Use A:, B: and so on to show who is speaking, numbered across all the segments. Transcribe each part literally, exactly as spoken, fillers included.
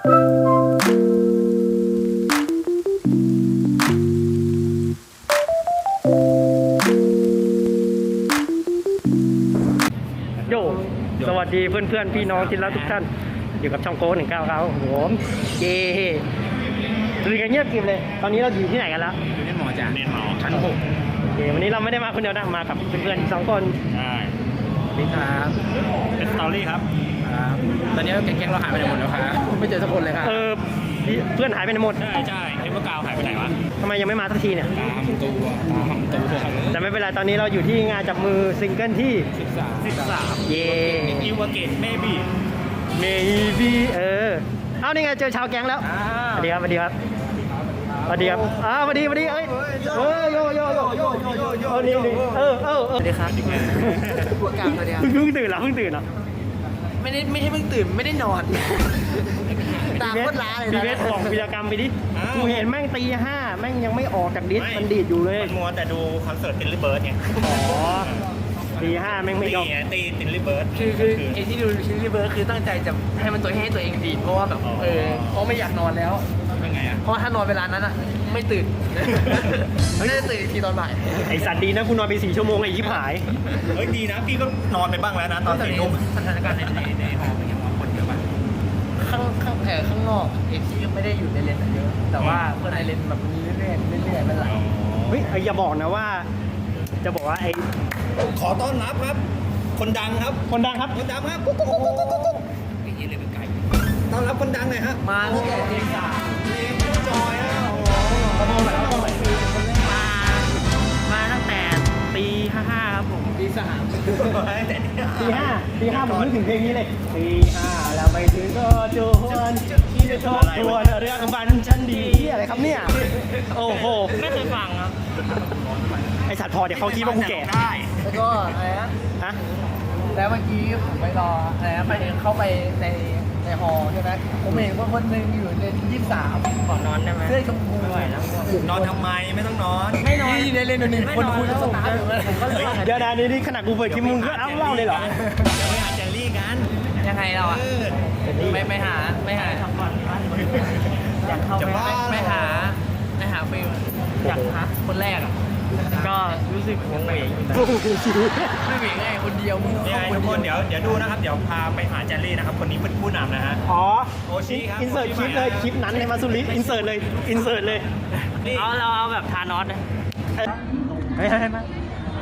A: โยสวัสดีเพื่อนๆพี่น้องที่รักทุกท่านอยู่กับช่องโก้หนึ่งเก้าครับผมเย่คือกันเงียบกริบเลยตอนนี้เราอยู่ที่ไหนกันแล้ว
B: อยู่ในหมอจ้ะในหมอชั้นหก
A: โอเควันนี้เราไม่ได้มาคนเดียวนะมากับเพื่อนๆสองคน
B: ใช่นี่ครับเป็นสตอรี่ครับตอนนี้แก๊งๆเราหายไปไหนหมดแล้วครับไม่เจอสักคนเลยครับ
A: เออเพื่อนหายไปไหนหมด
B: ใช่ใช่เอ็มเบอร์กาวหายไปไหนวะ
A: ทำไมยังไม่มาสักทีเนี่ย
B: ตามตัวตามตัว
A: แต่ไม่เป็นไรตอนนี้เราอยู่ที่งานจับมือซิงเกิลที่
B: สิบสามสิบสาม
A: เย่
B: อีวาเกตเมบี้
A: เมบี้เออเอานี่ไงเจอชาวแก๊งแล้วสวัสดีครับสวัสดีครับสวัสดีครับอ้าวสวัสดีสวัสดีเอ้ยเออโยโยโยโยโยโยโยนี่นี่เออเออสวัสดีครับ
C: พวกกลางสวัสดีครับ
A: เพิ่งตื่นเหรอเพิ่งตื่นเหรอ
C: ไม่ได้ไม่ใช่เพิ่งตื่นไม่ได้นอนตาโคตรล้าเลยนะ
A: พี่เวสบอกวิรกรรมไปดิกูเห็นแม่งตีห้าแม่งยังไม่ออกจากดิสมันดีดอยู่เลย
B: มันมัวแต่ดูคอนเสิร์ตตินลิเบิร์ดไง
A: อ๋อตีห้าแม่งไม่ยอม
B: ตีตินลิเบิร์ด
C: คือคือไอ้ที่ดูชิลลี่เบิร์ดคือตั้งใจจะให้มันตัวให้ตัวเองดีดเพราะว่าแบบเออเพราะไม่อยากนอนแล้ว
B: เป็นไงอ่ะ
C: เพราะถ้านอนเวลานั้นอ่ะไม่ตื่นไม่ได้ตื่นทีตอนบ่าย
A: ไอสัตว์ดีนะกูนอนไปสี่ชั่วโมงไอ้ยิบหาย
B: เฮ้ยดีนะพี่ก็นอนไปบ้างแล้วนะตอนสี่ทุ่ม
C: สถานการณ์ในในหอเป็นยังไงคนเยอะป่ะข้างข้างแอร์ข้างนอกเอ็นที่ไม่ได้อยู่ในเลนเยอะแต่ว่าเพื่อนในเลนแบบมีเรื่อยๆเรื่อยๆเป็นหลัก
A: เฮ้ยอย่าบอกนะว่าจะบอกว่าไอ
B: ขอต้อนรับครับคนดังครับ
A: คนดังครับ
B: คนดังครับกุ๊กกุ๊กกุ๊กกุ๊กกุ๊กไอ้เหี้ยเลยเป็นไก่ต้อนรับคนดังหน่อยฮะ
C: มาตั้งแต่ตีสาม
B: เลมจอยอ่ะโอ้
A: ขโมยขโมย
C: มามาตั้งแต่ตีห้าห้าครับผมตีสาม
A: ตีห้าตีห้าผมนึกถึงเพลงนี้เลยตีห้าแล้วไปถึงก็จวนที่จะทบทวนเรื่องบันชันดีอะไรครับเนี่ยโอ้โห
C: ไม่เคยฟังครับ
A: ไอสัตว์พอเดี๋ยวเขาคิดว่ากูแก่
C: แล้วก็อะไรนะ
A: ฮะ
C: แล้วเมื่อกี้ผมไปรออะไรนะไปเข้าไปในในฮอใช่ไหมผมเห็นว่าคนหนึ่งอยู่ในยี่สิบสาม
A: ขอนอนได้ไหม
C: เสื้อชมพู
B: นอนทำไมไม่ต้องนอน
C: ไม่นอนในเลนหนึ่งคนคุยกับสตาร์อยู่เลย
A: เดี๋ยวนะนี่นี่ขนาดกูเปิดคลิปมึงก็เล่าเล่าเลยเหรอ
B: เดี๋ยวไปหาเจลลี่กัน
C: ยังไงเราอ่ะไม่ไม่หาไม่หาทำก่อนอยากเข้าไปไม่หาไม่หาฟิลอยากหาคนแรกอ่ะก็รู้สึกวงเวงไม่เหวงไงคนเดียวมึง
B: เนี่ยทุกคนเดี๋ยวเดี๋ยวดูนะครับเดี๋ยวพาไปหาเจลลี่นะครับคนนี้เป็นผู้นำนะฮะ
A: อ๋อ
B: โอชิครับ
A: อินเสิร์ตคลิปเลยคลิปนั้นในมาสุริอินเสิร์ตเลยอินเสิร์ตเลย
C: เอาเราเอาแบบทานอสเลย
A: เฮ้ยให้มา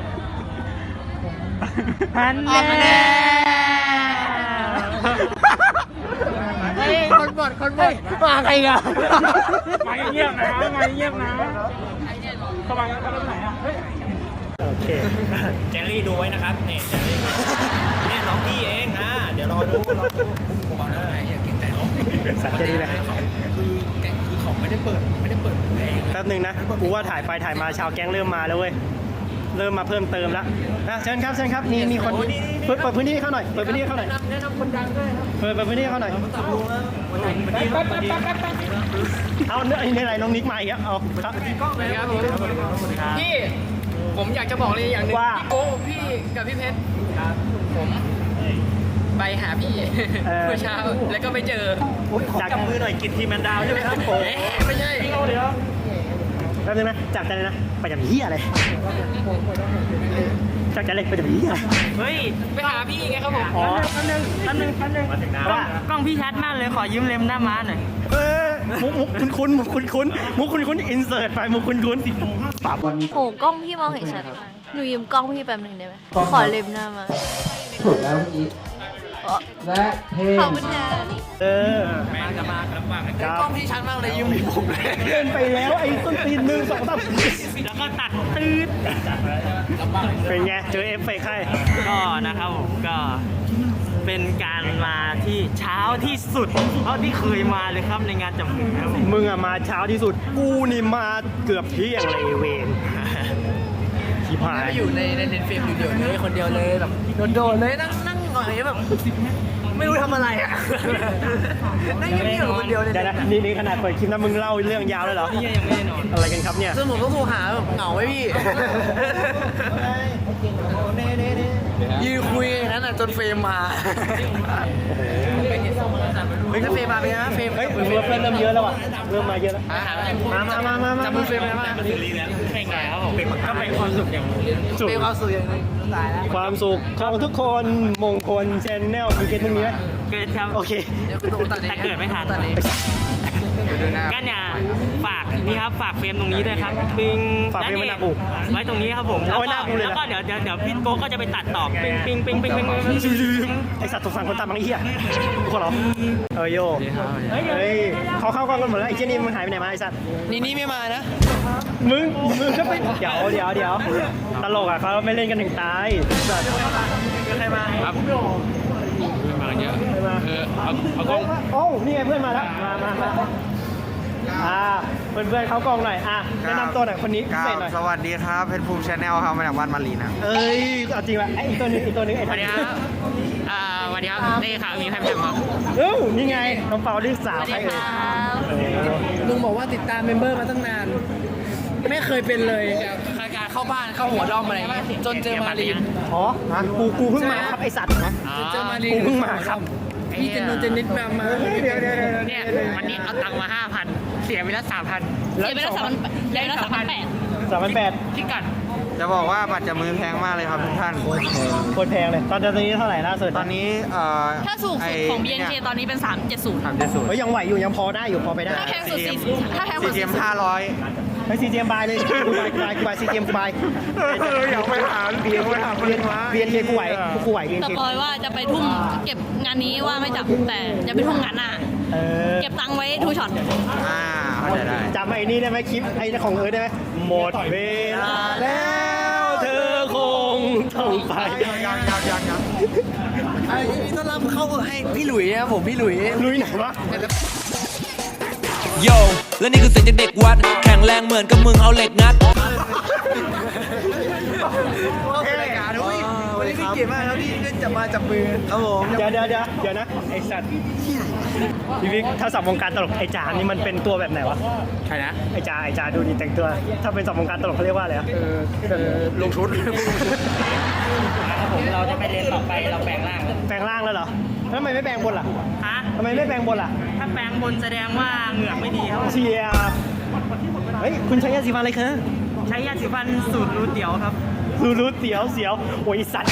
C: ฮันเน่เฮ้ยคนบดคนบดมาใครกัน
A: มาเงียบนะมาเงียบนะเข้ามาเข้ามาไหนอ่ะโอเค
B: เจลลี่ดูไว้นะครับนี่เจลลี่นี่น้องพี่เองอ่ะเดี๋ยวรอดูรอดูผมบอกแล้วไงอย่ากินแต่น้อง
A: สัตว์จะดีเลย
B: คือแกงคือของไม่ได้เปิดไม่ได้เปิดเอง
A: แป๊บนึงนะกูว่าถ่ายไปถ่ายมาชาวแก๊งเริ่มมาแล้วเว้ยเริ่มมาเพิ่มเติมแล้วนะเชิญครับเชิญครับนี่มีคนเปิดเปิดพื้นที่เข้าหน่อยเปิดพื้นที่เข้าหน่อย
C: แนะนำคนดังด้วยครับ
A: เปิดเปิดพื้นที่เข้าหน่อยเอาเนื้อในไรน้องนิกมาอีกแล้วเอาครับ
C: พี่ผมอยากจะบอกเลยอย่างหนึ่งพี่โก้พี่กับพี่เพชรผมไปหาพี่เมื่อเช้าแล้วก็ไม่เจอ
A: จับมือหน่อยกินทีแมนดาวใช่ไหมครับผม
C: ไม่ใช่
A: เดี๋ยวแป๊บนึงนะจับใจเลยนะไปจับเหี้ยอะไรจับใจเลยไปจับเหี้ย
C: เฮ้ยไปหาพี่ไงครับผม
A: อ๋อแป๊บนึงแป๊บนึงแป๊บนึง
C: ว่ากล้องพี่ชัดมากเลยขอยืมเลมหน้าม้าหน่อย
A: เออมุกมุกคุ้นคุ้นมุกคุ้นคุ้นมุกคุ้นคุ้นอินเสิร์ตไปมุกคุ้นคุ้นสิบโมงห้าสิบวัน
D: โอ้กล้องพี่มองเห็นชัดมากหนูยืมกล้องพี่แป๊บนึงได้ไหมขอเลมหน้ามา
C: ถูกแล้วเมื่อกี้และเพลง
D: ขอบคุณค่ะ
A: เออ
B: แม่จะมาลำบาก
C: กล้องพี่ชัดมากเลยยืมไม่ผมเลย
A: เล่นไปแล้วไอ้ต้นตีนหนึ่งสองสาม
C: แล้วก็ตัดตืด
A: เป็นไงเจอเอฟเฟกต์ให้
C: ก็นะครับผมก็เป็นการมาที่เช้าที่สุดเท่าที่เคยมาเลยครับในงานจับมือครับ
A: มึงอะมาเช้าที่สุดกูนี่มาเกือบเที่ยงเลยเวรที่ผ่าน
C: อยู่ในในเลนเฟรมอยู่เดียวเลยคนเดียวเลยแบบโดดๆเลยนั่งนั่งหน่อยแบบไม่รู้ทำอะไรอ่ะนั่งเงียบๆคนเดียวเลย
A: นี่นี่ขนาดเปิดคลิปนะมึงเล่าเรื่องยาวเลยเหรอ
C: นี่ยังไม่ได้นอน
A: อะไรกันครับเนี่ย
C: ซึ่งผมต้องโทรหาแบบเหงาไหมพี่ยืนคุยอย่างนั้นจนเฟรมมาเฮ้ยถ้าเฟรมมาเป็นไงนะเฟรม
A: เฮ้ยเพื่อนเพื่อนเริ่มเยอะแล้วอ่ะเริ่มมาเยอะแล้วมามามามามา
C: จับมือเฟรมเลยมา
B: แข่งไงครับผมก็เป็นความสุขอย่าง
A: สุข
C: เฟรมเอาสื่ออย่างนึงตายแล้ว
A: ความสุขของทุกคนมงคลแชนแนลมีเกณฑ์พวกนี้ไหม
C: เกิดครับ
A: โอเค
C: เดี๋ยวกูโดนตัดเอง
B: แต่เกิดไม่ทัน
C: ตัดเองเดี๋ยวดูหน้า
B: ก็เนี่ยฝากนี่ครับฝากเฟรมตรงนี้ด้วยครับปิง
A: ฝากเฟรมไว้หน้าปู
B: ไว้ตรงนี้ครับผม
A: เอาไว้หน้าปูเลยนะ
B: แล้วก็เดี๋ยวเดี๋ยวเดี๋ยวพี่โก้ก็จะไปตัดต่อปิงปิงปิงปิงปิงปิง
A: ไอสัตว์ตกสั่งคนตามบางไอ้เหี้ยทุกคนเหรอเออโยเฮ้ยเขาเข้ากล้องกันหมดแล้วไอ้เชี่ยนี่มันหายไปไหนมาไอสัตว์
C: นี่นี่ไม่มานะ
A: มึงมึงก็ไปเดี๋ยวเดี๋ยวเดี๋ยวตลกอ่ะเขาไม่เล่นกันถึงตายสัตว์
C: ใครมา
B: ครับมาเยอะ
A: ใครมา
B: เออเอาเอากล้อง
A: โอ้นี่ไงเพื่อนมาแล้วมามามาอ่าเพื่อนเพื่อนเขากล้องหน่อยอ่ะแนะนำตัวหน่อยคนนี้
E: ค
A: เส
E: รั
A: ร็จ
E: บ
A: หน่อย
E: สวัสดีครับเพชรภูมิชาแนลครับมาจากบ้านมารีนะ
A: เอ้ยเอาจริงว่ะไอ้อีกตัวนึงอีกตัวนึงไอ้
B: สวั
A: ทั
B: ส
A: น
B: ดีครับอ่าสวัสดีครับนี่ครับมีแพมแพมครับ
A: เอ้านี่ไงน้องเปาลูกสา
D: ส
A: ว
D: วัส
A: ใคร
D: ดี
A: เอ่ย
D: ครับ
C: ลุงบอกว่าติดตามเมมเบอร์มาตั้งนาน ไม่เคยเป็นเลยการเข้าบ้านเข้าหัวด้อมอะไรอย่างเงี้ยจนเจอมารีน
A: อ๋อฮะกูกูเพิ่งมาครับไอสัตว์นะ
C: จนเจอมารีน
A: กูเพิ่งมาครับ
C: พี่เจนนนเจนนิดมามา
A: เดี๋ยวเดี๋ยวเดี๋ยว
B: เนี่ยวันนี้เอาตังค์มาห้าพันเสียไปแล้วสามพัน
D: เสียไปแล้วสามพันเสียไปแล้วสามพันแปด
A: สามพันแปด
B: ที่กัด
E: จะบอกว่าบัตรจับมือแพงมากเลยครับทุกท่าน
A: โคตรแพงเลยตอนนี้เท่าไหร่ล่าสุด
E: ตอนนี้เอ่อ
D: ถ้าสูงสุดของ บี เอ็น เค ตอนนี้เป็น สามเจ็ดศูนย์
E: สามเจ็ดศูนย์
A: เฮ้ยยังไหวอยู่ยังพอได้อยู่พอไปได้
D: ถ้าแพงสุดสี่ถ้าแพง
E: ซี
D: สุด
E: เจ
D: สี่
E: มห้าร้อย
A: เฮ้ยซีเจมบายเลยกูบายกูบายกูบายซีเจมกูบาย
E: อยากไปหาเบียร์ไปหาเบียร์มา
A: เบียนเคกูไหวกูไหวเบียน
D: ส
A: เค
D: ปอยว่าจะไปทุ่มเก็บงานนี้ว่าไม่จับแต่จะไปทุ่มงานหน้า
A: เออ
D: เก็บตังค์ไว้ทูช็อต
E: อ่าเข้าใจได้
A: จำไอ้นี่ได้ไหมคลิปไอ้ของเอิร์ธได้ไหมหมดเวลาแล้วเธอคงต้องไป
E: ยังยังยังยังยัง
C: ไอ้นี่ต้อนรับเข้าให้พี่หลุยนะครับผมพี่หลุย
A: ลุยไหนวะ
F: โยและนี่คือเสียงจากเด็กวัด แข็งแรงเหมือนกับมึงเอาเหล็กงัด
C: รายการด้วยวันนี้พี่เกียรติมากครับที่ได้จับมาจับมือครับผม
A: เดี๋ยวเดี๋ยวเดี๋ยวเดี๋ยวนะไอสัตว์พี่วิกถ้าสับวงการตลกไอจานี่มันเป็นตัวแบบไหนวะ
B: ใครนะ
A: ไอจาไอจาดูดีแต่งตัว ถ้าเป็นสับวงการตลกเขาเรียกว่าอะไรอะ
C: ลงชุด
B: ผมเราจะไปเรียนต่อไปเราแปลงร่างเลย
A: แปลงร่างแล้วเหรอแล้วทำไมไม่แปลงบนล่ะ
B: ฮะ
A: ทำไมไม่แปลงบนล่ะ
B: ถ้าแปลงบนแสดงว่าเหงือกไม่ดีครับ
A: เชียร์เฮ้ยคุณใช้ยาสีฟันอะไรคะ
B: ใช้ยาสีฟันสูตรรูเตี๋ยวครับ
A: รู้รู้เสียวเสียวโอ้ยสัตว์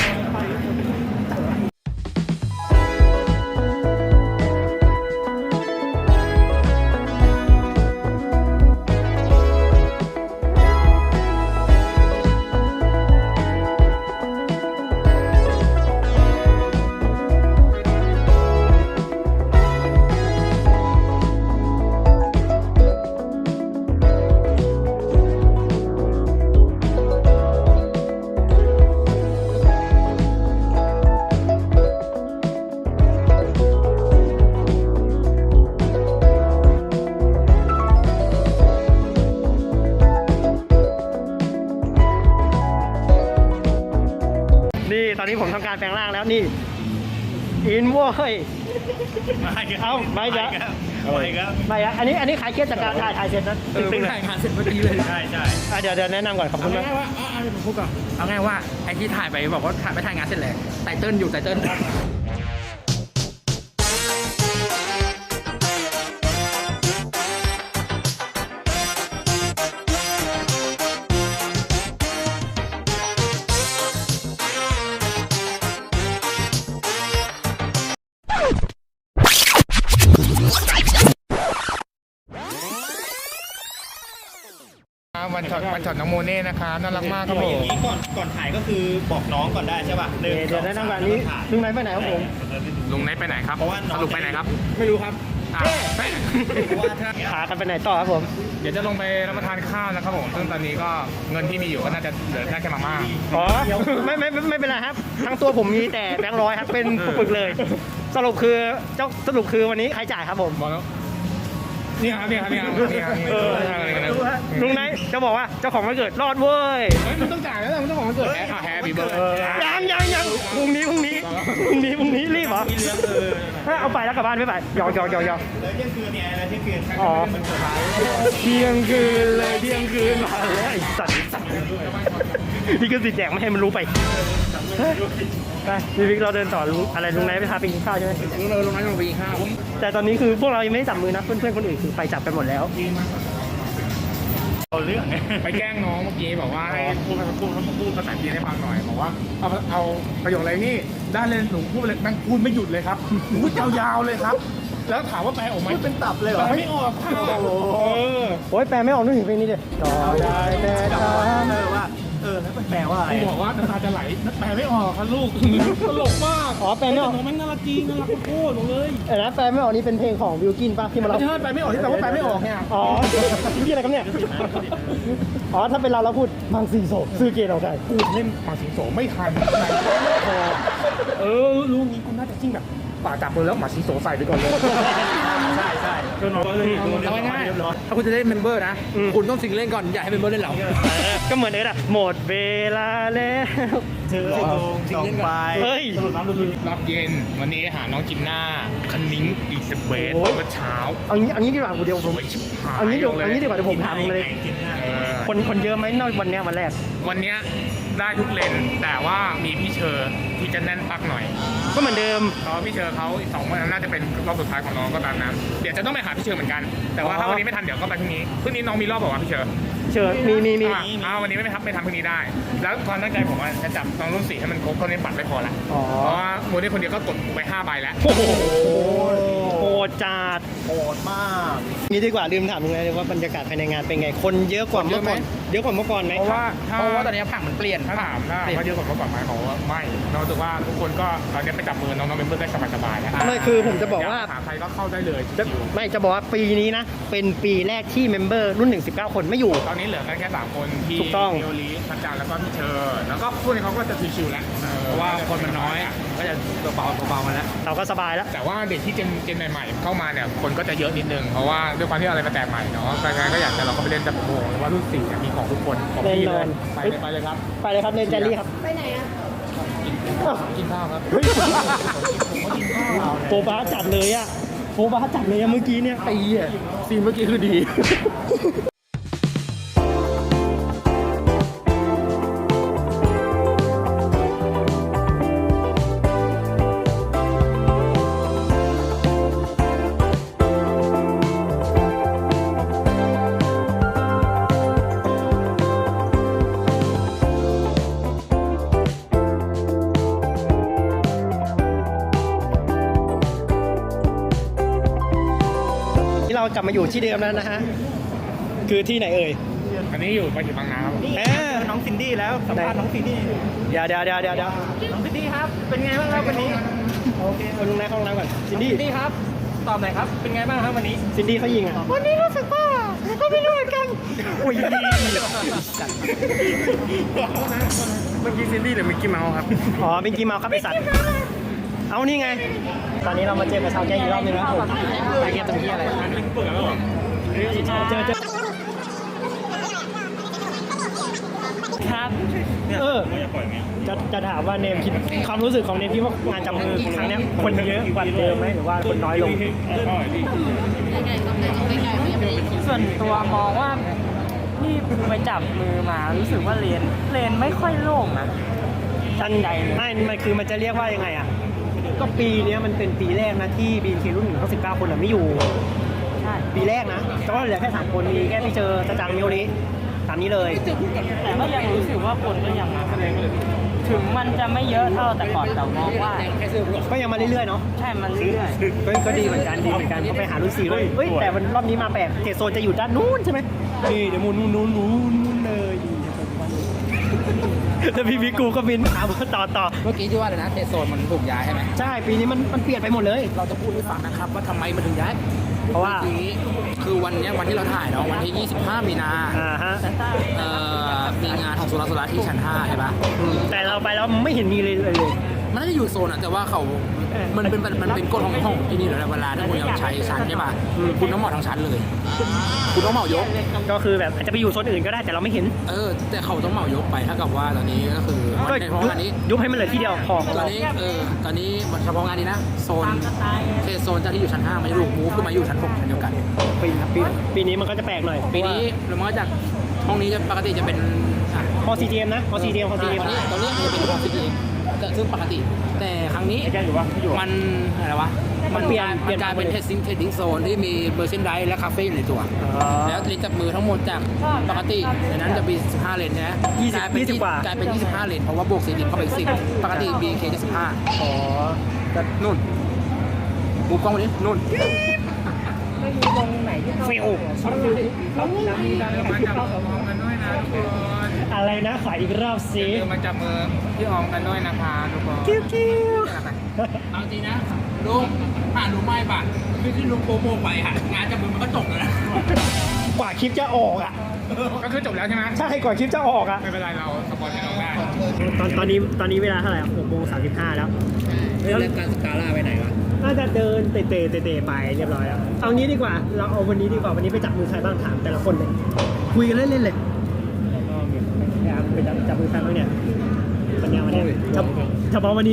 A: นี่ตอนนี้ผมทำการแปลงร่างแล้วนี่อินโว้ยเอ้าไม่ครับ
B: ไม่ครับ
A: ไม่ครับอันนี้อันนี้ขายเครียดจากการถ่ายถ่ายเสร็จนะตึงๆเลย
C: ถ่ายงานเสร็จเมื่อกี้เลย
B: ใช่ใช่
A: อ่ะเดี๋ยวเดี๋ยวแนะนำก่อนขอบคุณมาก
C: ง่ายว่าเอาเอาผมพูดก่อนเอาง่ายว่าไอ้ที่ถ่ายไปบอกว่าถ่ายไปถ่ายงานเสร็จแล้วไตเติ้ลอยู่ไตเติ้ล
E: วันช็อตวันช็อตน้องโมเน่นะครับน่ารักมากครับผ
B: อย่าง
E: ม
B: นี้ก่อนก่อนถ่ายก็คือบอกน้องก่อนได้ใช่ป่ะหนึ่ง
A: เดี๋ยวเดี๋ยวแนะนำก่อนอันนี้ลุงไหนไปไหนครับผม
E: ลุงไนท์ไปไหนครับ
B: เพราะว่าน้อง
E: สรุปไปไหนครับ
C: ไม่รู้ครับ
E: อ่ะไป
B: เพราะว่าถ้า
A: พากันไปไหนต่อครับผม
E: เดี๋ยวจะลงไปรับประทานข้าวนะครับผมซึ่งตอนนี้ก็เงินที่มีอยู่ก็น่าจะเหลือแค่แค่มาม่า
A: อ๋อไม่ไม่ไม่ไม่เป็นไรครับ ทั้งตัวผมมีแต่แบงค์ร้อยครับเป็นปึกๆเลย สรุปคือเจ้าสรุปคือวันนี้ใครจ่ายครับผม
E: บอกแล้วนี่ครับนี่ครับนี่ครับนี่ครับ
A: เออลุงไหนจะบอกว่าเจ้าของวันเกิดรอดเว้ย
E: เฮ้ยมันต้องจ่ายแล้วมันต้องของมันเกิดแฮปแฮปปี้เบิร์ด
A: ยังยังยังพรุ่งนี้พรุ่งนี้พรุ่งนี้พรุ่งนี้รีบเหรอ
B: มีเรื่องเออ
A: ถ้าเอาไปแล้วกลับบ้านไม่ไปหยอกหยอกหยอกหยอก
B: แล้วเที่ยงคืนเนี่ยอะไรเที่ยงคืน
A: อ๋อ
B: มันเกิดอะไร
A: เที่ยงคืนเลยเที่ยงคืนมาแล้วไอ้สัตว์ไอ้สัตว์นี่ก็สิทธิ์แดกไม่ให้มันรู้ไปไปพี่วิกเราเดินต่อลุงอะไรลุงไหนไปพาไปกินข้าวใช่ไหม
E: เราลงน้ำลงไปกินข้าว
A: แต่ตอนนี้คือพวกเรายังไม่ได้จับมือนะเพื่อนๆคนอื่นคือไปจับกันหมดแล้ว
E: เอาเรื่องไปแกล้งน้องเมื่อกี้บอกว่าให้พูดพูดพูดภาษาจีนให้ฟังหน่อยบอกว่าเอาเอาประโยคอะไรนี่ได้เลยหนูพูดเลยแม่งพูดไม่หยุดเลยครับพูดยาวๆเลยครับ แล้วถามว่าแปลออกไหมเป็นตับเลยเหรอไม่ออกค่ะโอ้โห
A: โอ้ยแปลไม่ออกนึกถึงเพลงนี้เลยต่อได้แต่ทำ
B: เออว่าเออแล้วมันแปลว่าอะไร
E: กูบอกว่าน้ำตาจะไหลแปลไม่ออกครับลูกตลกมาก
A: อ๋อแปลไม่ออก
E: น้องแม่งน่ารักจริงน่ารักโคตรๆเลย
A: เออนะแปลไม่ออกนี่เป็นเพลงของวิลกินป่ะที่มาเรา
E: ไม่ใช่แปลไม่ออกที่แปลว่าแปลไม่ออกเนี่ย
A: อ๋อพี่อะไรกันเนี่ยอ๋อถ้าเป็นเราเราพูดบางสีโศกซื้อเกตเอาได้
E: กูเล่นมาสิงโสไม่ทันพอเออลูกนี้กูน่าจะจิ้งแบบป่าจับมือแล้วหมาสิงโสใส่ไปก่อนเลย
B: ใช่ใช่
E: จนน้องเลยเอาง่ายๆถ้าคุณจะเล่นเมมเบอร์นะคุณต้องสิงเล่นก่อนอย่าให้เมมเบอร์เล่นเรา
A: ก็เหมือนเอิร์ดอะหมดเวลาแล้ว
B: เธอส่งไป
A: เฮ้ย
E: รอบเย็นวันนี้หาน้องจินน่าคันนิ้งอีสเบส
A: โอ้ย
E: เมื่อเช้า
A: เอางี้เอางี้ดีกว่าเดี๋ยวผม
E: สวยชิบหาย
A: เอางี้เดี๋ยวเอางี้ดีกว่าเดี๋ยวผมถามมึงเลย
E: เออ
A: คนคนเยอะไหมนอกวันเนี้ยวันแรก
E: วันเนี้ยได้ทุกเลนแต่ว่ามีพี่เชอร์ที่จะแน่นปักหน่อย
A: ก็เหมือนเดิม
E: เพราะพี่เชอร์เขาอีกสองวันน่าจะเป็นรอบสุดท้ายของน้องก็ตามนั้นเดี๋ยวจะต้องไปหาพี่เชอร์เหมือนกัน แต่ว่าถ้าวันนี้ไม่ทันเดี๋ยวก็ไปพรุ่งนี้พรุ่งนี้น้องมีรอบบอกว่าพี่เชอร์
A: เชิญมีมีมี
E: อ่ะอ่าวันนี้ไม่ทับไม่ทำพรุ่งนี้ได้ แล้วความตั้งใจผมว่าจะจับน้องรุ่นสี่ให้มันครบตอนนี้บัตรไม่พอละ
A: อ๋อ
E: เพราะว่าโมเดลคนเดียวก็กดไปห้าใบแล้ว
A: โอ้โหโหดจัด
B: โหดมาก
A: นี่ดีกว่าลืมถามมึงเลยว่าบรรยากาศภายในงานเป็นไง คนเยอะกว่าเมื่อก่อนเยอะกว่าเมื่อก่อนไหม
E: เพราะว่าถ้
C: เพราะว่าตอนนี้ผังมันเปลี่ยน
E: ถ้าถามถ้าว่าเยอะกว่าเมื่อก่อนไหมเขาว่าไม่เรารู้สึกว่าทุกคนก็ตอนนี้ไปจับมือน้องๆเมมเบอร์ได้สบายๆแล้ว
A: ไม่คือผมจะบอกว่า
E: หาใครก็เข้าได้เลย
A: จะ
E: ชิว
A: ไม่จะบอกว่าปีนี้นะ เป็นปีแรกที่เมมเบอร์รุ่นหนึ่ง สิบเก้าคนไม่อยู่
E: ๆตอนนี้เหลือกันแค่สามคนพี่
A: ถูกต้อง
E: พี่โอลีพันจันแล้วก็พี่เชอร์แล้วก็พวกนี้เขาก็จะชิวๆแล้วเพราะว่าคนมันน้อยก็จะตัวเบาตัวเบามาแล้ว
A: เราก็สบายแล้ว
E: แต่ว่าเด็กที่เจนเจนใหม่ๆเข้ามาเนี่ยคนก็จะเยอะนิดนึงเพราะว่าด้วยความที่อะไรมาแตกใหม่เนาะการงานก็อยากจะเราก็ไปเล่นแต่ผมบอกเลยว่ารุ่นสี่เนี่ยมีของทุกคนของพี่เลยไปเลยไปเลยครับ
A: ไปเลยครับเนนแจลลี่ครับ
E: กินข้าวครับ
A: เฮ้ยโปบ้าจัดเลยอะโปบ้าจัดเลยอะเมื่อกี้เนี่ยตีอะซีนเมื่อกี้คือดี ที่เรากลับมาอยู่ที่เดิมแล้วนะฮะ คือที่ไหนเอ่ย
E: อันนี้อยู่ไปถึงบางนาครับ
A: เออ
B: น้องซินดี้แล้วสัมภาษณ์น้องซินดี้
A: เดี๋ยวเดี๋ยวเดี๋ยวเดี๋ยวเดี๋ยว
B: น้องซินดี้ครับ เป็นไงบ้างครับวันนี้
A: โอเคเอาลุงนายเข้าห้องน้ำก่อนซินดี้
B: ซินดี้ครับตอบหน่อยครับเป็นไงบ้างครับวันนี้
A: ซินดี้เขายิงอ่ะ วันนี้รู้สึกว่าเราก็ไม่รู้เหมือนกันอุ้ย
E: เมื่อกี้ซินดี้หรือมิกกี้เมาส์ครับ
A: อ๋อเป็นกีเมาครับไอสัตว์ เอานี่ไง ตอนนี้เรามาเจอกับชาวแก๊งอีกรอบนึงแล้วผมชาวแก๊งเป็นที่อะไรเจอเจอ
C: ครับ
A: เออจะจะถามว่าเนมคิดความรู้สึกของเนมคิดว่างานจับมือครั้งเนี้ยคนเยอะกว่าเดิมไหมหรือว่าคนน้อยลง
C: ส่วนตัวมองว่าที่ไปจับมือมารู้สึกว่าเลนเลนไม่ค่อยโล่งนะ
A: ทันใดไม่ มันคือมันจะเรียกว่ายังไงอ่ะ ก็ปีเนี้ยมันเป็นปีแรกนะที่บีทีรุ่นหนึ่งเขาสิบเก้าคนอะไม่อยู่
C: ใช่
A: ปีแรกนะก็เหลือแค่สามคนมีแค่พี่เจอตะจังมิโอริตามนี้เลย
C: แต่ก็ยังรู้สึกว่าคนก็ยังมาถึงมันจะไม่เยอะเท่าแต่ก่อนแต่มองว่า
A: ก็ยังมาเรื่อยๆเนาะ
C: ใช่มันเรื่อย
A: ก็ก็ดีเหมือนกันดีเหมือนกันเขาไปหารุ่นสี่เลยเฮ้ยแต่วันรอบนี้มาแปลกเจโซนจะอยู่ด้านนู้นใช่ไหมนี่เดี๋ยวมูนนู้นนู้นนู้นนู้นเลยดีแล้วพี่พิกูก็บินถามว่าต่อต่อ
G: เมื่อกี้ที่ว่าเลยนะเทโซนมันถูกย้ายใช่ไหม
A: ใช่ปีนี้มันมันเปลี่ยนไปหมดเลย
G: เราจะพูดให้ฟังนะครับว่าทำไมมันถึงย้าย
A: เพราะว่า
G: มื่อกี้คือวันเนี้ยวันที่เราถ่ายเนาะวันที่ ยี่สิบห้า มีนา
A: อ่าฮะ
G: เอ่อมีงานของสุราสุราที่ชั้นห้าใช่ปะ
A: แต่เราไปแล้วไม่เห็นมีเลยเลย
G: มันน่าจะอยู่โซนอะแต่ว่าเขา มันเป็นมันเป็นกฎของห้องที่นี่เหรอเวลาที่คุณจะใช้ชั้นใช่ปะคุณต้องเหมาทั้งชั้นเลย คุณต้องเหมายก
A: ก็คือแบบอาจจะไปอยู่โซนอื่นก็ได้แต่เราไม่เห็น
G: เออ แต่เขาต้องเหมายกไปถ้ากับว่าตอนนี้ก็คือ
A: ก็
G: ในเพราะ
A: ยุบ
G: งานนี้
A: ยุบให้มันเหลือที่เดียวพอ
G: ตอนนี้เออตอนนี้เฉพาะงานนี้นะโซนเทโซนจากที่อยู่ชั้นห้ามาอยู่มูฟขึ้นมาอยู่ชั้นหกชั้นเดียวกัน
A: ปีปีปีนี้มันก็จะแปลกหน่อย
G: ปีนี้เรามาจากห้องนี้จะปกติจะเป็นอ่ะ
A: พอซีเจมนะพอซีเจมพอ
G: ต
A: ซี
G: อน
A: เจม
G: นี้ตอนนี้จะเป็นห้องซีดีแต่ซึ่งปกติ แต่ครั้งนี้
E: ไอ้แกอยู่ปะไม่อยู่
G: มันอะไรวะมัน
A: เปลี่ยน
G: กลาย
A: เปลี่ยน
G: มันกลายเป็น testing testing zone ที่มีเบอร์เซนไดและคาเฟ่อยู่ในตัว
A: อ๋อ
G: แล้วลิ้นจับมือทั้งหมดจากปกติในนั้นจะมีสิบห้าเลนนะ
A: ยี่สิบ
G: กลายเป็น
A: ยี่สิบกว่า
G: กลายเป็นยี่สิบห้าเลนเพราะว่าบวกสี่เลนเข้าไปอีกสิบปกติ บี เค จะสิบห้า
A: อ๋อแต่
G: นู่นบูกล้องมาดินู่น
A: ฟิวอะไรนะขออีกรอบสิ
E: มาจับมือพี่อองกันด้วยนะคะทุกคน
A: คิ้วคิ้ว
G: เอาจริงนะลุงผ่านลุงไม่บาทคือที่ลุงโปรโมไปหางานจับมือมันก็จบแล้วนะ
A: กว่าคลิปจะออกอ่ะ
E: ก็คือจบแล้วใช่ไหม
A: ใช่กว่าคลิปจะออกอ่ะ
E: ไม่เป็นไรเราสปอนให้น้องได้
A: ตอนตอนนี้ตอนนี้เวลาเท่าไหร่หกโมงสามสิบห้าแล้ว
G: เรื่องการสกาล่าไปไหนวะ
A: น่าจะเดินเตะเตะเตะเตะไปเรียบร้อยแล้วเอางี้ดีกว่าเราเอาวันนี้ดีกว่าวันนี้ไปจับมือใครบ้างถามแต่ละคนเลยคุยกันเล่นๆเลยแล้วก็ไปจับจับมือใครบ้างเนี่ยปัญญามาเนี่ยเฉพาะวันนี้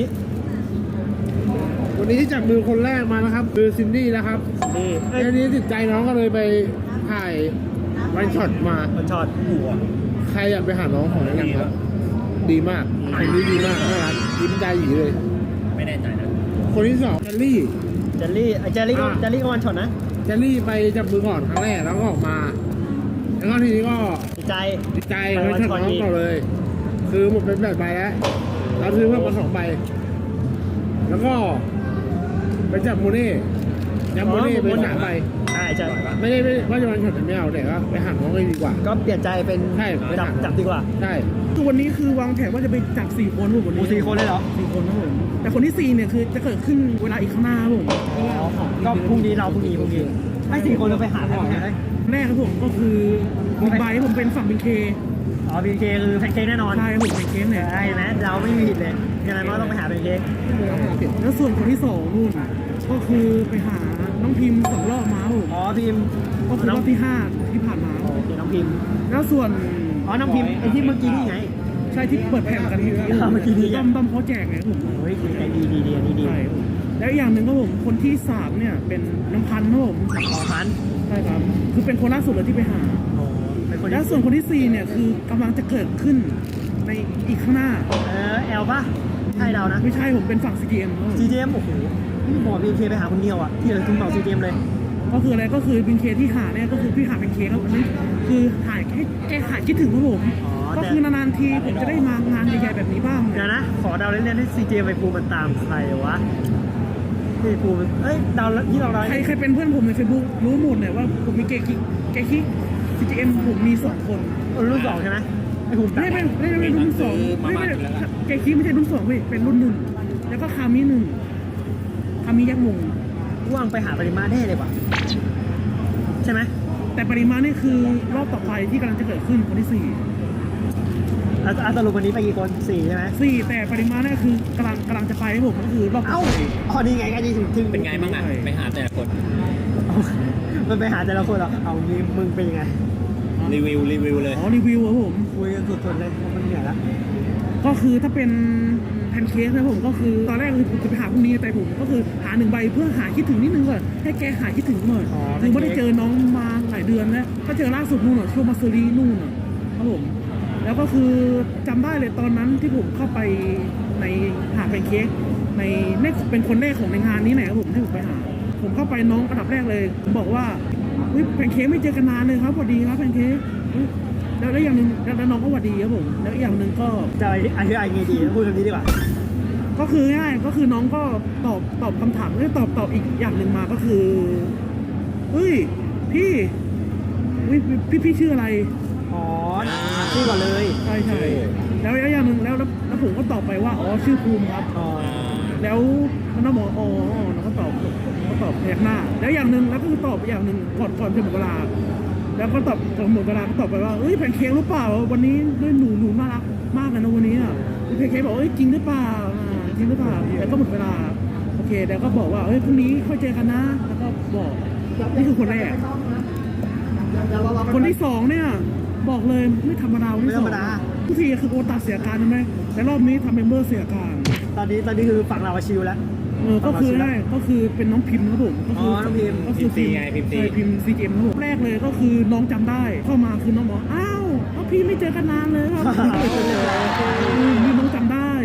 H: วันนี้ที่จับมือคนแรกมานะครับคือซินดี้นะครับ
A: นี่เอ้ย
H: ทีนี้ติดใจน้องก็เลยไปถ่ายวันช็อตมา
A: มันช็อต
H: ใครอยากไปหาน้องของแนะนำครับ ดีมากคนนี้ดีมากน่ารักยิ้มใจหยีเลย
G: ไม่แน่ใจนะ
H: คนที่สองแจลลี่
A: เจลลี่ไอ้เจลลี่ก็
H: อ่า
A: เจลลี่ก็วันช็อตนะ
H: แจลลี่ไปจับมือก่อนครั้งแรกแล้วก็ออกมา แล้วก็ทีนี้ก็
A: ดีใจ
H: ติดใจไปช็อตน้องก่อนเลย คือหมดเป็นแบบใบแล้วเราซื้อเพิ่มมาสองใบแล้วก็ไปจับโมเน่จับโมเน่ไปสามใบ
A: ใช่ใช่
H: ไม่ได้ไม่ว่าจะวันช็อตไม่เอาแต่ก็ไปหาน้องเลยดีกว่า
A: ก็เปลี่ยนใจเป็น
H: ใช่ไป
A: จับ
H: หา
A: จับดีกว่า
H: ใช่
I: คือวันนี้คือวางแผนว่าจะไปจับสี่คนครับผมวัน
A: โอ้
I: นี้
A: สี่คนเลยเหรอ
I: สี่คนครับผมแต่คนที่สี่เนี่ยคือจะเกิดขึ้นเวลาอีกข้างหน้าครับผม
A: ก็พรุ่งนี้เราพรุ่งนี้พรุ่งนี้ให้สี่คนเราไปหาใครบ้างเนี่ย
I: แรกครับผมก็คือบิ๊กไบค์ผมเป็นฝั่งเป็นเค
A: อ๋อบีเคคือแพนเค้กแน่นอน
I: ใช่ครับผมเป็นเคสเนี่ย
A: ใช่ไหมเราไม่มีผิดเลยยังไงมันก็ต้องไปหาแพนเค้ก
I: แล้วส่วนคนที่สองนู่นก็คือไปหาน้องพิมพ์สองรอบมาครับผม
A: อ๋อพิมพ์
I: ก็คือรอบที่ห้าที่ผ่านมา
A: โอเคน้องพิมพ์
I: แล้วส่วน
A: อ๋อน้องพิมพ์ไอ้ที่เมื่อกี้นี่ไง
I: ใช่ที่เปิดแผ่นกันที่
A: เมื่อกี้นี่ไง
I: ต้อมต้อมเขาแจกไงครับผม
A: โอ้ยใจดีดีดีอันนี้ดี
I: ใช่ครับผมแล้วอีกอย่างหนึ่งก็ผมคนที่สามเนี่ยเป็นน้องพันธุ์ครับผม
A: อ๋อพัน
I: ใช่ครับคือเป็นคนล่าสุดเลยที่ไปหา
A: โอ้เป็นคน
I: แล้วส่วนคนที่สี่เนี่ยคือกำลังจะเกิดขึ้นในอีกข้างหน้า
A: เออแอลป่ะใช่เรานะ
I: ไม่ใช่ผมเป็นฝั่ง ซี จี เอ็ม
A: ซีเจมโอ้โหนี่หมอบีเคไปหาคนเดียวอ่ะที่เหลือคุณบอกซีเจมเลย
I: ก็คืออะไรก็คือบินเคที่หาเนี่ยก็คือพี่หาเป็นเคครับอันนี้คือหาแค่แค่หาคิดถึงครับผม
A: อ๋อแต่
I: ก็คือนานๆทีผมจะได้มางานใหญ่ๆแบบนี้บ้าง
A: เดี๋ยวนะ ขอเดาเล่นๆให้ซีเจไปปูมันตามใครวะที่ปูมันเอ้ยเดาที่เราเดา
I: ใครใครเป็นเพื่อนผมในเฟซบุ๊กรู้หมดเนี่ยว่าผมมีเกคิกเกคิก ซี จี เอ็ม ผมมีสองคน
A: รุ่นสองใช่ไหมไอ้ภูมิ
I: ไม่ไม่ไม่ไม่ไม่รุ่นสองไม่ไม่เกคิกไม่ใช่รุ่นสองเว้ยเป็นรุ่นหนึ่งแล้วก็คามิหนึ่งคามิยักษ์มง
A: ว่างไปหาปริมาณได้เลยว่ะใช่ไหม
I: แต่ปริมาณนี่คือรอบต่อไปที่กำลังจะเกิดขึ้นคนที่สี่
A: แล้วอ่ะสรุปวันนี้ไปกี่คนสี่ใช่ไหม
I: สี่แต่ปริมาณนี่คือกำลังกำลังจะไปให้ผมก็คือรอบต่
A: เอ้า
I: อไป
A: อ๋อนี่ไงก็ดีถึงถึง
B: เป็นไงบ้างอ่ะไปหาแต่ละคน
A: มันไปหาแต่ละคนเหรอเอางี้มึงเป็นยังไง
B: รีวิวรีวิวเลย
I: อ๋อรีวิวครับผม
A: คุยกันสุดๆเลยมันเหนื่อยแล้ว
I: ก็คือถ้าเป็นแพนเค้กนะผมก็คือตอนแรกคือผมจะไปหาพรุ่งนี้แต่ผมก็คือหาหนึ่งใบเพื่อหาคิดถึงนิดนึงก่อนให้แกหาคิดถึงหน่อยคือไม่ได้เจอน้องมาหลายเดือนแล้วก็เจอล่าสุดนู่นน่ะช่วงมาซูรีนู่นน่ะครับผมแล้วก็คือจำได้เลยตอนนั้นที่ผมเข้าไปในหาแพนเค้กในในเป็นคนแรกของในงานนี้ไหนครับผมที่ผมไปหา ผมเข้าไปน้องอันดับแรกเลยผมบอกว่าเฮ้ยแพนเค้กไม่เจอกันนานเลยครับสวัสดีครับแพนเค้กเฮ้ยแล้วแล้วอย่างหนึ่งแล้วแล้วน้องก็สวัสดีครับผมแล้วอีกอย่างหนึ่งก็
A: จะอธิบายไงดีพูดแบบนี้ดีกว่า
I: ก็คือง่ายก็คือน้องก็ตอบตอบคำถามเอ้ยตอบตอบอีกอย่างหนึ่งมาก็คือเฮ้ยพี่เฮ้ยพี่พี่ชื่ออะไร
A: อ๋อชื่อก่อนเลย
I: ใช่ใช่แล้วแล้วอย่างหนึ่งแล้วแล้วแล้วผมก็ตอบไปว่าอ๋อชื่อภูมิครับ
A: อ๋อ
I: แล้วน้องบอกอ๋อน้องก็ตอบก็ตอบพยักหน้า แล้วอย่างหนึ่งแล้วก็คือตอบอย่างหนึ่งก่อนก่อนจะหมดเวลา แล้วก็ตอบก่อนหมดเวลาก็ตอบไปว่าเอ้ยแพนเค้กหรือเปล่าวันนี้ด้วยหนูหนูน่ารักมากเลยนะวันนี้อ่ะแพนเค้กบอกเอ้ยจริงหรือเปล่าอ่าจริงหรือเปล่าแล้วก็หมดเวลาโอเคแล้วก็บอกว่าเอ้ยพรุ่งนี้ค่อยเจอกันนะ แล้วก็บอกนี่คือคนแรก คนที่สองเนี่ยบอกเลยไม่ธรรมดาคนที่สองทุกทีคือโอตัดเสียการใช่ไหมแต่รอบนี้ทำเมมเบอร์เสียการ
A: ตอนนี้ตอนนี้คือฝั่งเราชิลแล้ว
I: เออก็คือได้ก็คือเป็นน้องพิมพ์ครับผมก็คื
A: อ๋อน้องพิมพ์
I: ก็คือ
B: พิมพ์ C ไงพิมพ์ C
I: ใช่พิมพ์ซีเกมครับผมแรกเลยก็คือน้องจำได้เข้ามาคือน้องบอกอ้าวอ้าวพี่ไม่เจอกันนานเลยครับ อืมนี่น้องจำได้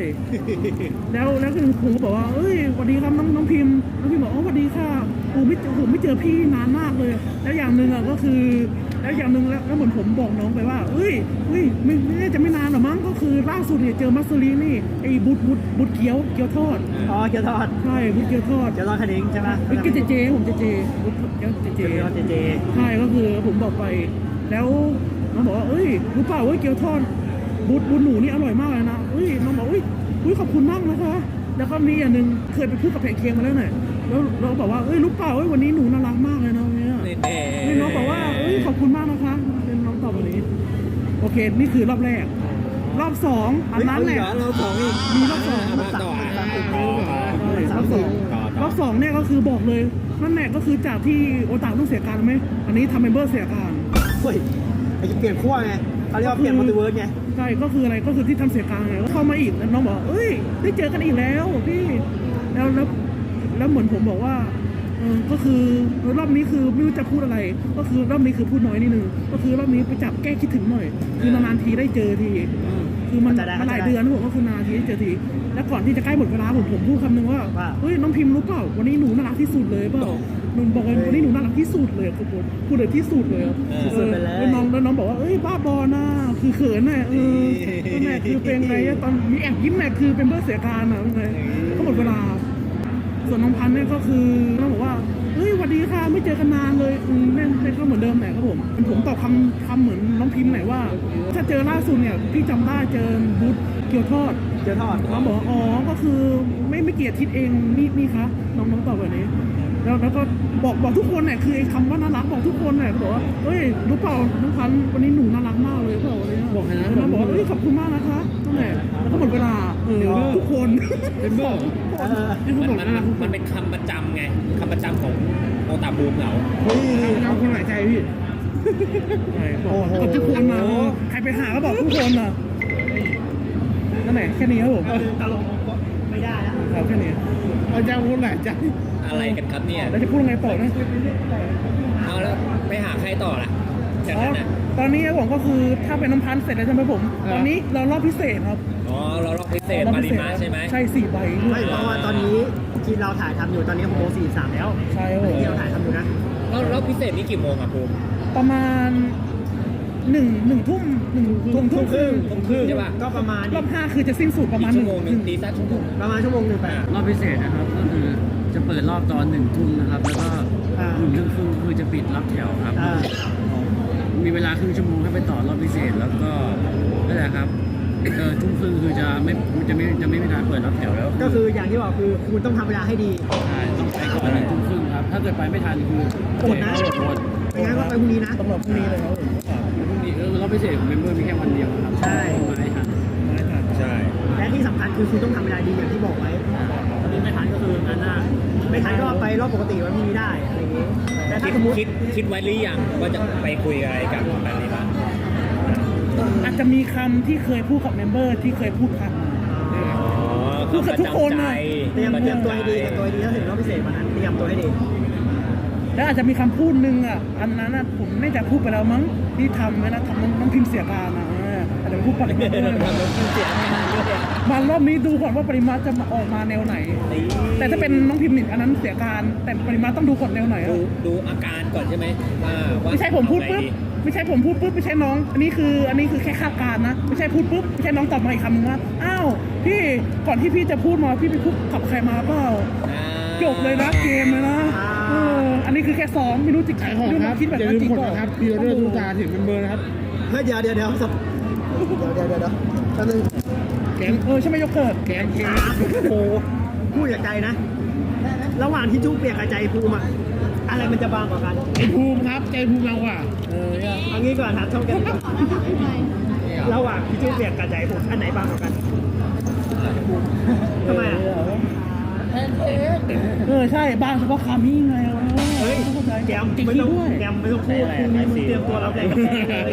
I: แล้วแล้วคือผมก็บอกว่าเอ้ยสวัสดีครับน้องน้องพิมพ์น้องพิมพ์บอกอ๋อสวัสดีค่ะผมไม่เจอผมไม่เจอพี่นานมากเลย แล้วอย่างหนึ่งอ่ะก็คือแล้วอย่างหนึ่งแล้วแล้วเหมือนผมบอกน้องไปว่าเอ้ยเฮ้ยไม่ไม่จะไม่นานหรอมั้งก็คือล่าสุดเนี่ยเจอมัสซรีนี่ไอ้บุตบุตบุตเกี๊ยวเกี๊ยวทอด
A: อ๋อเกี๊ยวทอด
I: ใช่บุตเกี๊ยวทอด
A: เกี๊ยวทอดคะนิ้งใช่ไหม
I: เป็นเจเจผมเจเจบุตเกี๊ยวเจเจ
A: เกี๊ยวทอดเจเจ
I: ใช่ก็คือผมบอกไป แล้วน้องบอกว่าเอ้ยรู้เปล่าว่าเกี๊ยวทอดบุตบุตหนูนี่อร่อยมากเลยนะเอ้ยน้องบอกอุ้ยอุ้ยขอบคุณมากนะคะแล้วก็มีอย่างหนึ่งเคยไปพูดกับแพนเค้กมาแล้วหน่อยแล้วเราบอกว่าเอ้ยรู้เปล่าว่าวันนี้หนูน่ารักมากเลยนะเนี่ย
B: นี่แน่
I: นี่น้องบอกว่าเอ้ยขอบคุณมากนะคะเป็นน้องตอบวันนี้โอเคนี่คือรอบแรก รอบสองอันนั้นแหละ
B: เราสองอีก
I: มีรอบสอง
B: มาต่อ
I: รอบสองรอบสองเนี่ยก็คือบอกเลยนั่นแหละก็คือจากที่โอตาต้องเสียการไหมอันนี้ทำเมมเบอร์เสียการ
A: เฮ้ยไอ้เปลี่ยนขั้วไงเขาเรียกว่าเปลี่ยนมัลติเวิร์สไง
I: ใช่ก็คืออะไรก็คือที่ทำเสียการไงก็เข้ามาอีกแล้วน้องบอกเอ้ยได้เจอกันอีกแล้วพี่แล้วแล้วแล้วเหมือนผมบอกว่าเออก็คือรอบนี้คือไม่รู้จะพูดอะไร ก็คือรอบนี้คือพูดน้อยนิดนึงก็คือรอบนี้ไปจับแก้คิดถึงหน่อย คือนานๆทีได้เจอทีคือมันมาหลายเดือนนะผมก็คือนานทีได้เจอทีแล้วก่อนที่จะใกล้หมดเวลาผมผมพูดคำนึงว่าเฮ้ยน้องพิมพ์รู้เปล่าวันนี้หนูน่ารักที่สุดเลยเปล่าหนูบอกว่าวันนี้หนูน่ารักที่สุดเลยคือพูดพูดเลยที่สุดเลยแล้วน้องแล้วน้องบอกว่าเอ้ยบ้าบอนะคือเขินน่ะเออแม่คือเป็นไงตอนมีแอบยิ้มแม่คือเป็นเบอร์เสียการอ่ะไงก็หมดเวลาส่วนน้องพันธุ์เนี่ยก็คือน้องบอกว่าเฮ้ยสวัสดีค่ะไม่เจอกันนานเลยอืมแม่แม่ก็เหมือนเดิมแหละครับผมผมตอบคำคำเหมือนน้องพิมพ์หน่อยว่าถ้าเจอล่าสุดเนี่ยพี่จำได้เจอบูธเกี๊ยวทอด
A: เกี๊ยวทอด
I: น้องบอกว่าอ๋อก็คือไม่ไม่เกลียดทิศเองนี่นี่คะน้องน้องตอบแบบนี้แล้วแล้วก็บอกบอกทุกคนเนี่ยคือไอ้คำว่าน่ารักบอกทุกคนเนี่ยบอกว่าเฮ้ยรู้เปล่าน้องพันธุ์วันนี้หนูน่ารักมากเลยเปล่าอะไรเงี้ยบอกให้นะน้องบอกว่าเฮ้ยขอบคุณมากนะคะนั่นแหละแล้วก็หมดเวลาเดี๋ยวทุกคนเป็นเบอร์ที่เขา
B: มัน
I: บอก
B: มัน
I: น่ารักทุกค
B: มัน นเป็นคำประจำไงคำประจำของโอตาบูมเหงา
I: เฮ้ยเอาคนหลายใจพี่ใช่บอกกับทุกคนนะใครไปหาก็บอกทุกคนนะนั่นแหละแค่นี้ครับผม
A: ตลกไม่ได้แล้ว
I: ครับแค่นี้
H: อาจารย์คนไหนใจ
B: อะไรกันครับเนี่ย
I: แล้วจะพูดยังไงต่อนะ
B: เอาแล้วไปหาใครต่อล่ะจาก
I: อ๋อ
B: นั้นน่ะ
I: ตอนนี้ผมก็คือถ้าเป็นน้ำพันธุ์เสร็จแล้วใช่ไหมผม ตอนนี้เรารอบพิเศษครับ
B: อ๋อเราลอกพิเศษ
I: รอบ
B: มา
I: พิ
B: ริ
I: เศษ
B: มาใช่ไหม
I: ใช่สี่ใบ
A: ไม่เพราะว่าตอนนี้ที่เราถ่ายทำอยู่ตอนนี้หกโมงสี่สิบสามแล้ว
I: ใช่ครับผม
A: ที่เราถ่ายทำอยู่นะ
B: แล้วรอบพิเศษนี่กี่โมงอ่ะภูมิ
I: ประมาณหนึ่งหนึ่งทุ่มหนึ่งทุ่มทุ่มครึ่ง
B: ทุ่มครึ่งใช่ป่ะ
A: ก็ประมาณ
I: รอบห้าคือจะสิ้นสุดประมาณห
B: ชั่
I: นึ่
B: ว
I: ง
B: โมงหนึ่งตีสักชั่วโมง
A: ประมาณชั่วโมงหนึ่งไป
C: รอบพิเศษนะครับก็คือจะเปิดรอบตอนหนึ่งทุ่มนะครับ แล้วก็
A: อ่า
C: หนึ่งทุ่มครึ่งคือจะปิดรับแถวครับ
A: อ่า
C: มีเวลาครึ่งชั่วโมงให้ไปต่อรอบพิเศษแล้วก็นั่นแหละครับเออทุ่มครึ่งคือจะไม่จะไม่จะไม่มีการเปิดรับแถวแล้ว
A: ก็คืออย่างที่บอกคือคุณต้องทำเวลาให้ดี
C: ใช่ต้องไปก่อนหนึ่งทุ่มครึ่งครับถ้าเกิดไปไม่ทันคือ
A: อดนะ
C: อด
A: ไม่งั้นก็ไปพรุ่งนี้นะ
I: สำหรับพรุ่งนี้เลยครับผม
C: พรุ่งนี้เออรอบพิเศษของเมมเบอร์มีแค่วันเดียวครับ
A: ใช่
C: มาให้ทัน
I: ไม่ทัน
B: ใช่
A: และที่สำคัญคือคุณต้องทำเวลาดีอย่างที่บอกไว้
C: ตอนนี้ไม่ทันก็คืองานหน้า
A: ไม่ทันก็ไปรอบปกติวันพรุ่งนี้ได้อะไรอย่างงี้แต่ถ้า
B: คิด
A: สมมติ
B: คิดคิดไว้หรือยังว่าจะไปคุยอะไรกับมาริมา
I: อาจจะมีคำที่เคยพูดกับเมมเบอร์ที่เคยพูดกัน
B: อ๋อ
I: พูดกับทุกคนน่ะ
A: เตรียมเตรียมตัวให้ดีเตรียมตัวให้ดีถ้าถึงรอบพิเศษวันนั้นเตรียมตัวให้ดี
I: แล้วอาจจะมีคำพูดหนึ่งอ่ะ อันนั้นอ่ะผมไม่จะพูดไปแล้วมั้งที่ทำไว้นะทำน้องน้องพิมพ์เสียการนะเอออาจจะพูดปริมาณด้วยมารอบนี้ดูก่อนว่าปริมาณจะมาออกมาแนวไหน แต่ถ้าเป็นน้องพิมพ์หนึ่งอันนั้นเสียการ แต่ปริมาณต้องดูก่อนแนวไหน
B: ดู
I: อะ
B: ดูอาการก่อนใช่ไหมว่าว่า
I: ไม่ใช่ผมพูดปุ๊บ
B: เอาไง
I: ไม่ใช่ผมพูดปุ๊บไม่ใช่น้อง อันนี้คืออันนี้คือแค่คาดการณ์นะไม่ใช่พูดปุ๊บไม่ใช่น้องตอบมาอีกคำนึงว่าอ้าวพี่ก่อนที่พี่จะพูดมาพี่ไปพูดกับใครมาเปล่า
B: อ่า
I: จบเลยนะเกมเลยนะเอออันนี้คือแค่ซ้อมไม่รู้จริง
H: ขายของ
I: ไม่รู้
H: ค
I: น้
H: รั
I: อบ งคิดแบบ
H: อย่า
I: นั้น
H: ลืม
I: จริง
H: กด
I: เปล่า
H: นะครับพีออเดอร์ทุกจานถึงเป็นเบอร์นะครับ
A: เฮ้ยเดี๋ยวเดี๋ยวเดี๋ยวสับเดี๋ยวเดี๋ยวเดี๋ยวแป๊บนึง
I: แกงเออใช่ไหมโยเกิร์ต
H: แกงเค้ก
A: โอ้โหพูดจากใจนะ ระหว่างที่จุ๊บเปียกกับใจภูมิอะอะไรมันจะบางกว่ากัน
H: ใจภูมิครับใจภูมิเราอ่ะ
A: เออเอางี้ก่อนครับเท่ากันก่อนระหว่างที่จุ๊บเปียกกับใจภูมิอันไหนบางกว่ากันทำไมอ่ะ
I: เออใช่บางเฉพาะคามี่ไง
A: เฮ้ย
I: เข้าใจ
A: แกม
I: จริง
A: ไม่ต้อง
I: ด้วย
A: แกมไม่ต้องพูดพรุ่งนี้มึงเตรียมตัวรับแรงกระแทกเลย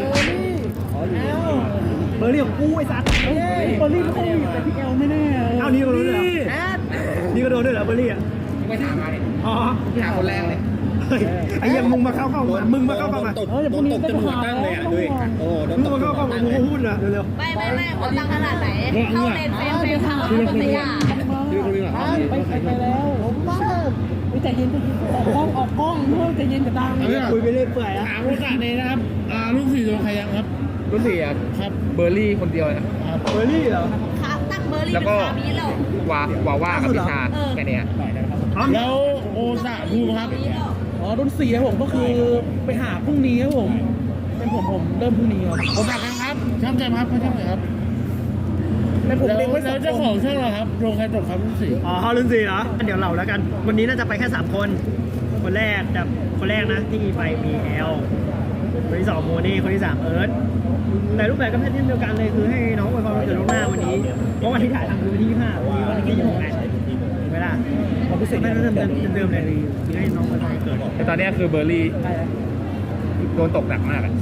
A: เบอร์เรียกกูไอ้สัตว์
I: เฮ้ยเบอร์รี่ไม่ค่อยมีแต่พี่เอลไม่แน่
A: เอานี่ก็โดนด้วยเหรอนี่ก็โดนด้วยเหรอเบอร์รี่อ่ะ
H: ไม่ถามมาเลย
A: อ๋อ
H: ถามคนแรกเลย
A: ไอ้ยังมึงมาเข้ากล้องมามึงมาเข้ากล้องมา
B: ตกโดนตกจนหัวตั้งเลยอ่ะด้วยโอ้โดน
A: มึ
B: ต
A: ง
B: ก
A: มาเข้ากล้องมามึงพูดนะเร็ว
D: ไม่ไม่ไม่เขาตั้งขนาดไหน เข้าเลนเฟรมเฟรมทางเข้าปัตยา
H: พี่คนนี้เหรอ
I: ไปไปไปแล้วผมว่าใจเย็นออกกล้องออกกล้องเพื่อใจเย็นกับดัง
A: ๆคุยไปเรื่อยเปื่อยอะ
H: ถามโอกาสนี้นะครับอ่าลูกสี่โดนใครยังครับ
G: รุ่นสี่อ่ะครับเบอร์รี่คนเดียวนะครับ
A: เบอร์รี่เหรอ
D: ขาตั้งเบอร์รี่
G: แล้ว
D: เป็น
G: ก็
D: คาบีแล้ว
G: วาวาว่ากับพิชาแค่เนี้ย
H: แล้วโอซาภูมิครับ
I: อ๋อรุ่นสี่ครับผมก็คือไปหาพรุ่งนี้ครับผม เป็นผมผมเริ่มพรุ่งนี้ครับ
H: โอกาสกันครับช่างใจครับช่างใจครับ
I: แต่ผม
H: แล้ว
I: เล็งไว้ส
H: แล้
I: อ
H: ว
I: ง
H: เจ้า
I: ค
H: ของ
I: น
H: ช่างเหรอครับโรงใครตกครับลูกสี่
A: อ๋อรุ่นสี่เหรอเดี๋ยวเราแล้วกัน วันนี้น่าจะไปแค่สามคน คนแรกจะคนแรกนะที่ไปมีแอลคนที่สองโมนี่คนที่สามเอิร์ธแต่รูปแบบก็เป็นเช่นเดียวกันเลยคือให้น้องอวยพรวันเกิดล่วงหน้าวันนี้เพราะวันที่ถ่ายทำคือวันที่ยี่สิบห้าวันนี้วันที่ยี่สิบหกไงถูกไหมล่ะเราพิเศษไม่เริ่มเดิมเดิมเลยให้น้องอวยพรวันเกิด
G: แต่ตอนเนี้ยคือเบอร์รี่โดนตกหนักมากอะ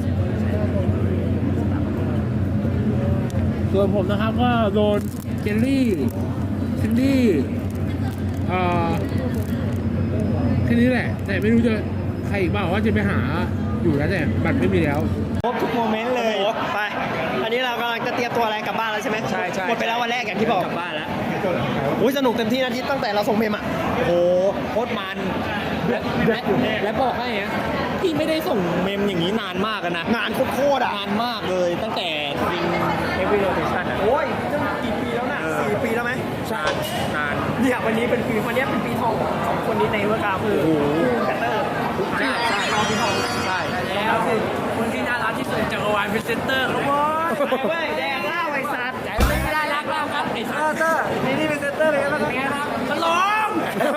H: ส่วนผมนะครับก็โดนเจลลี่ซินดี้อ่าแค่นี้แหละ แต่ไม่รู้จะใครอีกบ้างว่าจะไปหาอยู่แล้วแต่บัตรไม่มีแล้ว
A: ครบทุกโมเมนต์เลย ไป อันนี้เรากำลังจะเตรียมตัวอะไรกลับบ้านแล้วใช่ไหม
B: ใช่ใช่
A: หมดไปแล้ววันแรกอย่างที่บอก
B: กลับบ้านแล้ว
A: อุ้ยสนุกเต็มที่นะที่ตั้งแต่เราส่งเมมอ่ะ
B: โอ้โหโคตรมันและและและบอกให้นะพี่ไม่ได้ส่งเมมอย่างนี้นานมากอะนะ
A: งานโคตรๆอ่ะ
B: นานมากเลยตั้งแต่ริงเอฟวีโรเทชันอ่ะ
A: โอ้ยจะกี่ปีแล้วน่ะสี่ปีแล้วไหม
B: นานนาน
A: เนี่ยวันนี้เป็นปีวันนี้เป็นปีทองของสองคนนี้ในเวอร์กาคือแคตเตอร์
B: ใช่ใช่
A: น้องปีทอง
B: ใช่
C: แล้วคนที่น่ารักที่สุดจักรวาลพรีเซนเตอร์ครับผม
A: เว้ยแดงเหล้าไอ้สัตว์
C: ไม่ได้รักเราครับไอ้สัส
A: เตอร์นี่นี่เป็นเซนเตอร์เลยนะครับ
C: เป็นไงครับตลง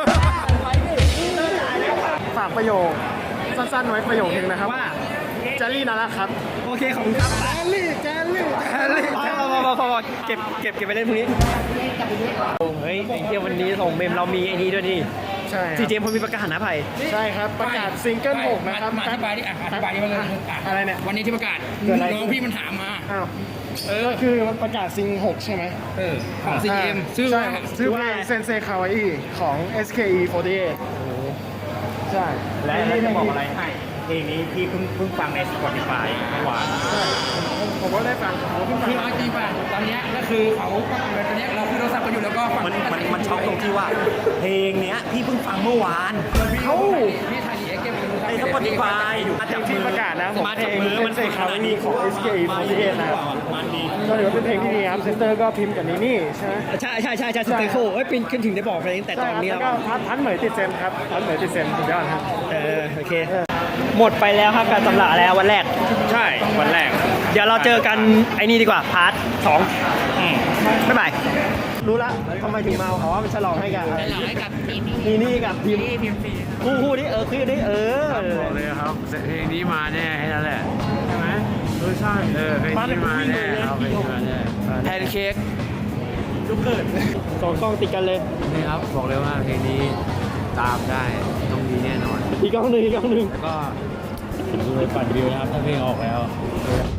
A: ฝากประโยคสั้นๆไว้ประโยคนึงนะครับว่าแจลลี่น่ารักครับโอเคขอบคุณครับแจลลี่แจลลี่แจลลี่พอพอพอพอเก็บเก็บเก็บไปเล่นพรุ่งนี้เฮ้ยไอ้เที่ยวันนี้ส่งเมมเรามีไอ้นี้ด้วยนี่
H: ใช่
A: ซีเจมพลมีประกาศนะไผ่ใช่ครับประกาศซิงเกิลหกนะครับ
G: มาอธิบายดิอ่ะอธิบายดิว่าเลย
A: อะไรเนี่ย
G: วันนี้ที่ประกาศ
A: เกิดอะไร
G: น้องพี่มันถามมา
A: อ้าว
H: เออคือประกาศซิงหกใช่ไหม
G: เออของ ซี เอ็ม ชื่อ
H: ใช่
G: ว่า
H: ชื่อเพลงเซนเซคาวาอิของ เอส เค อี สี่สิบแปดใช่
B: และและจะบอกอะไรให้เพลงนี้พี่เพิ่งเพิ่งฟังใน Spotify เมื่อวาน
H: ผมก็ได้ฟังผมก็
G: คือ
H: ฟัง
G: เอาจริงป่ะตอนเนี้ยก็คือเขาก็ตอนเนี้ยเราคุยโทรศัพท์กันอยู่แล้วก็ฟัง
B: มันมันมันช็อกตรงที่ว่า เพลงเนี้ยพี่เพิ่งฟังเมื่อวาน
G: เขาพี่ถ่ายดีเอ็กเกม
B: ใน Spotify มาจาก
H: ที่ประกาศนะผม
B: มา
H: เพล
B: จาก
H: ง
B: มือ
H: เซ
B: มัน
H: นเซ
B: เสก
H: คา
B: ข
H: วา
B: นาด
H: อิ
B: นี้
H: ของ เอส เค อี สี่สิบแปดนะ
B: มันดี
H: ก็ถือว่าเป็นเพลงที่ดีครับเซนเตอร์ก็พิมพ์กับนี่นี่ใช่ไหม
A: ใช่ใช่ใช่ใช่สเตโคเอ้ยเป็นขึ้นถึงได้บอกไปตั้งแต่ต
H: ใช่
A: อน
H: ครับ
A: นี้
H: แล้
A: แล้ว ว
H: ก็พัดพัดเหมยติดเซนครับพัดเหมยติดเซนสุดยอดครับ
A: เออโอเค หมดไปแล้วครับการสำราญแล้ววันแรก
B: ใช่วันแรก
A: เดี๋ยวเราเจอกันไอ้นี่ดีกว่าพาร์ทสองบ๊ายบายรู้ละทำไมถึงมาเขาว่ามันฉลองให้กัน
C: ให้กับทีม
A: นี่นี่กับทีม
C: ทีมฟรี
A: คู่คู่นี้เออคู่นี้เออ
E: บอกเลยครับเพลงนี้มาแน่แค่นั้นแหละใช่ไหมเออใช่เออเพลงนี้มาแน่ครับเพลงนี้มาแน่
C: แพนเค้ก
A: สองกล้องติดกันเลย
E: นี่ครับบอกเลยว่าเพลงนี้ตามได้ต้องดีแน่นอน
A: อีกกล้องหนึ่งอีกกล้องหนึ่ง
E: แล้วก็ดูเลยปั่นวิวนะครับถ้าเพลงออกแล้ว